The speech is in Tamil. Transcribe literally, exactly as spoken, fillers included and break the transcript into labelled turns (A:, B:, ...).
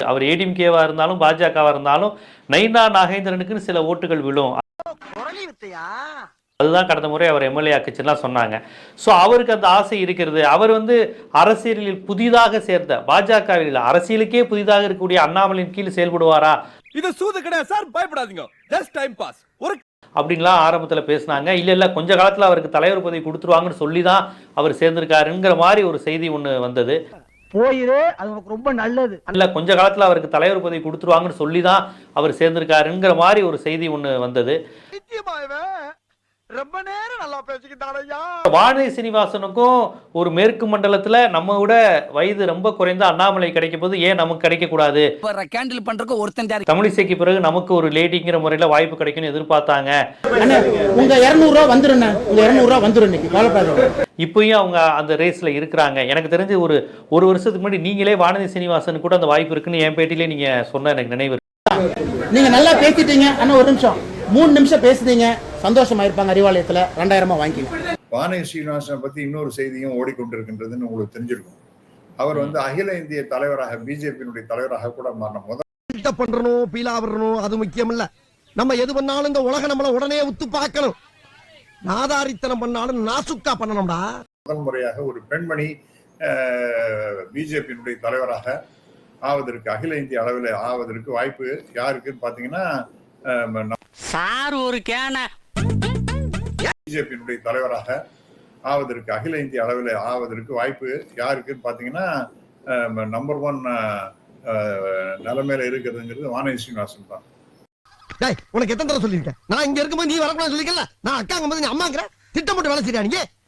A: அவர் ஏடிஎம்கேவா இருந்தாலும் பாஜகவா இருந்தாலும் நயினா நாகேந்திரனுக்குன்னு சில ஓட்டுகள் விழும். அதுதான் கடந்த முறை அவர் எம்எல்ஏ ஆக்குச்சுன்னா சொன்னாங்க. ஸோ அவருக்கு அந்த ஆசை இருக்கிறது. அவர் வந்து அரசியலில் புதிதாக சேர்ந்த பாஜகவில் அரசியலுக்கே புதிதாக இருக்கக்கூடிய அண்ணாமலையின் கீழ் செயல்படுவாரா?
B: இது சூது கிடையாது சார், பயப்படாதீங்க, ஜஸ்ட் டைம் பாஸ் ஒரு
A: அப்படின்லாம் ஆரம்பத்தில் பேசினாங்க. இல்லை இல்லை கொஞ்ச காலத்தில் அவருக்கு தலைவர் பதவி கொடுத்துருவாங்கன்னு சொல்லி தான் அவர் சேர்ந்திருக்காருங்கிற மாதிரி ஒரு செய்தி ஒன்று வந்தது.
C: போயிரு, அது உனக்கு ரொம்ப நல்லது.
A: இல்ல கொஞ்ச காலத்துல அவருக்கு தலைவர் பதவி கொடுத்துருவாங்கன்னு சொல்லி தான் அவர் சேர்ந்திருக்காருங்கிற மாதிரி ஒரு செய்தி ஒன்று வந்தது.
B: ரொம்ப நேரம் நல்லா பேசிக்கிட்டாரையா.
A: வானதி சீனிவாசனுக்கும் ஒரு மேற்கு மண்டலத்துல நம்ம விட வயது ரொம்ப குறைந்த அண்ணாமலை கிடைக்கும் போது ஏன் நமக்கு கிடைக்க கூடாது?
D: கேண்டில் பண்றதுக்கு ஒருத்தன்
A: தமிழிசைக்கு பிறகு நமக்கு ஒரு லேடிங்கிற முறையில வாய்ப்பு கிடைக்கும்னு எதிர்பார்த்தாங்க.
C: உங்க இருநூறு ரூபா வந்துருங்க, உங்க இருநூறு ரூபா வந்துரும் இன்னைக்கு.
A: இப்பயும் அவங்க அந்த ரேஸ்ல இருக்கிறாங்க. எனக்கு தெரிஞ்சு ஒரு ஒரு வருஷத்துக்கு முன்னாடி நீங்களே வானதி சீனிவாசன் கூட அந்த வாய்ப்பு இருக்குன்னு என் பேட்டிலே நீங்க சொன்ன எனக்கு நினைவு.
C: நீங்க நல்லா பேசிட்டீங்க. அண்ணா ஒரு நிமிஷம், மூணு நிமிஷம் பேசுனீங்க, சந்தோஷமா இருப்பாங்க. அறிவாலயத்துல ரெண்டாயிரமா வாங்கிக்கணும்.
E: வானதி சீனிவாசனை பத்தி இன்னொரு செய்தியும் ஓடிக்கொண்டிருக்கின்றதுன்னு உங்களுக்கு தெரிஞ்சிருக்கும். அவர் வந்து அகில இந்திய தலைவராக பிஜேபியினுடைய தலைவராக கூட மாறின முதல்
B: பண்றணும் பீலா வரணும் அது முக்கியம் இல்ல. நம்ம எது பண்ணாலும் இந்த உலக நம்மள உடனே உத்து பார்க்கணும். நாதாரித்தனம் பண்ணாலும் நாசுக்கா பண்ணணும்டா.
E: முதல் முறையாக ஒரு பெண்மணி பிஜேபியினுடைய தலைவராக ஆவதற்கு அகில இந்திய அளவில் ஆவதற்கு வாய்ப்பு யாருக்குன்னு பாத்தீங்கன்னா
D: சார் ஒரு கேன
E: பிஜேபியினுடைய தலைவராக ஆவதற்கு அகில இந்திய அளவில் ஆவதற்கு வாய்ப்பு யாருக்குன்னு பாத்தீங்கன்னா நம்பர் ஒன் நிலைமையில இருக்கிறதுங்கிறது வானதி சீனிவாசன் தான்.
B: உனக்கு எத்தனை தடவை சொல்லியிருக்கேன், நான் இங்க இருக்கும்போது நீ வரக்கூடாது சொல்லிக்கல, நான் அக்காங்க போது நீ அம்மாங்கிற திட்டம் போட்டு வேலை செய்யா நீங்க.